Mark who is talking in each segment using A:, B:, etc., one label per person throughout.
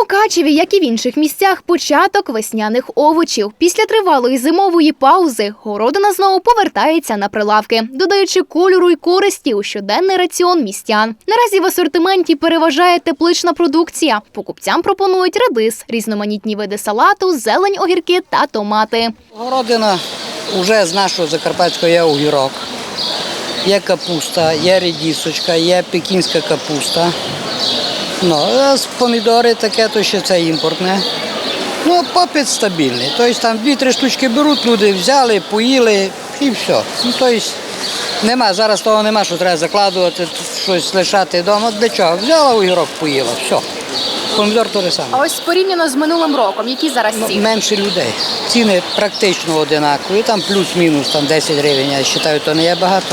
A: Мукачеві, як і в інших місцях, початок весняних овочів. Після тривалої зимової паузи городина знову повертається на прилавки, додаючи кольору й користі у щоденний раціон містян. Наразі в асортименті переважає теплична продукція. Покупцям пропонують редис, різноманітні види салату, зелень, огірки та томати.
B: Городина вже з нашого Закарпатського є огірок, є капуста, є редисочка, є пекінська капуста. А помідори таке, то ще це імпортне. Попит стабільний. Тобто там 2-3 штучки беруть, люди взяли, поїли і все. Нема, зараз того нема, що треба закладувати, щось лишати вдома. Для чого? Взяла огірок, поїла, все. Помідор то саме.
A: А ось порівняно з минулим роком, які зараз ціни?
B: Менше людей. Ціни практично одинакові, там плюс-мінус 10 гривень, я вважаю, то не є багато.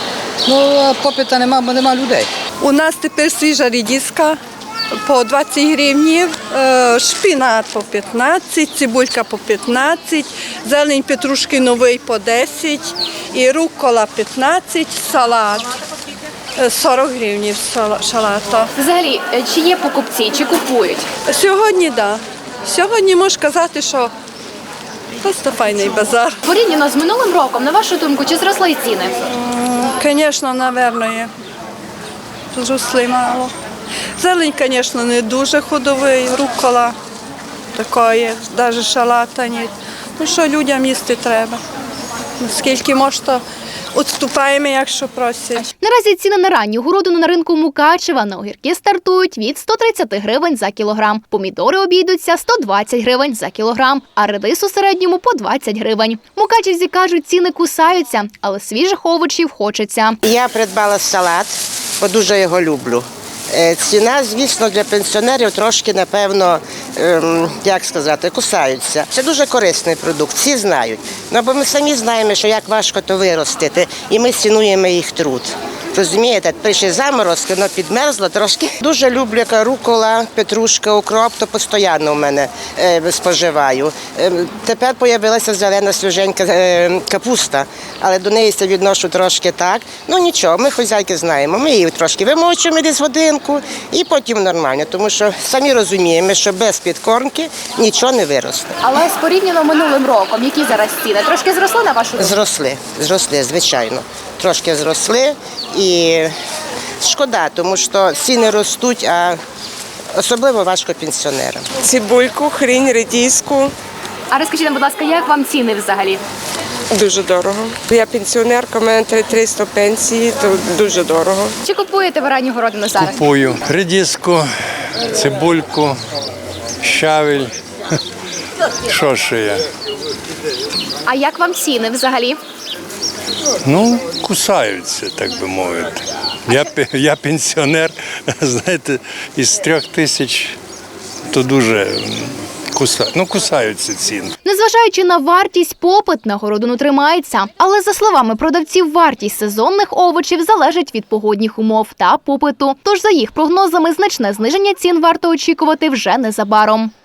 B: А попиту нема, бо нема людей.
C: У нас тепер свіжа редиска по 20 гривнів, шпинат по 15, цибулька по 15, зелень петрушки новий по 10 і руккола 15, салат 40 гривень шалата.
A: Взагалі, чи є покупці, чи купують?
C: Сьогодні так. Да. Сьогодні можу сказати, що просто файний базар.
A: Порівняно з минулим роком, на вашу думку, чи зросли ціни?
C: Звісно, напевно, є. Зросли мало. Зелень, звісно, не дуже ходовий, руккола такої, навіть шалата ні. Що людям їсти треба. Скільки можна, відступаємо, якщо просять.
A: Наразі ціни на ранню городину на ринку Мукачева на огірки стартують від 130 гривень за кілограм. Помідори обійдуться 120 гривень за кілограм, а редис у середньому по 20 гривень. Мукачевці кажуть, ціни кусаються, але свіжих овочів хочеться.
D: Я придбала салат, бо дуже його люблю. Ціна, звісно, для пенсіонерів трошки, напевно, кусаються. Це дуже корисний продукт, всі знають. Бо ми самі знаємо, що як важко то виростити, і ми цінуємо їх труд. Розумієте, прийшли заморозки, воно підмерзло трошки. Дуже люблю рукола, петрушка, укроп, то постійно в мене споживаю. Тепер з'явилася зелена свіженька капуста, але до неї це відношу трошки так. Нічого, ми хазяйки знаємо, ми її трошки вимочуємо десь годинку і потім нормально, тому що самі розуміємо, що без підкормки нічого не виросте.
A: Але порівняно минулим роком, які зараз ціни? Трошки зросли на вашу думку?
D: Зросли, звичайно. Трошки зросли і шкода, тому що ціни ростуть, а особливо важко пенсіонерам.
E: Цибульку, хрінь, редиску.
A: А розкажіть нам, будь ласка, як вам ціни взагалі?
E: Дуже дорого. Я пенсіонерка, у мене 300 пенсії, то дуже дорого.
A: Чи купуєте ви ранню городину зараз?
F: Купую редиску, цибульку, щавель. Що ще є?
A: А як вам ціни взагалі?
F: Кусаються, так би мовити. Я пенсіонер, знаєте, із 3000, то дуже кусаються ціни.
A: Незважаючи на вартість, попит на городину тримається. Але, за словами продавців, вартість сезонних овочів залежить від погодних умов та попиту. Тож, за їх прогнозами, значне зниження цін варто очікувати вже незабаром.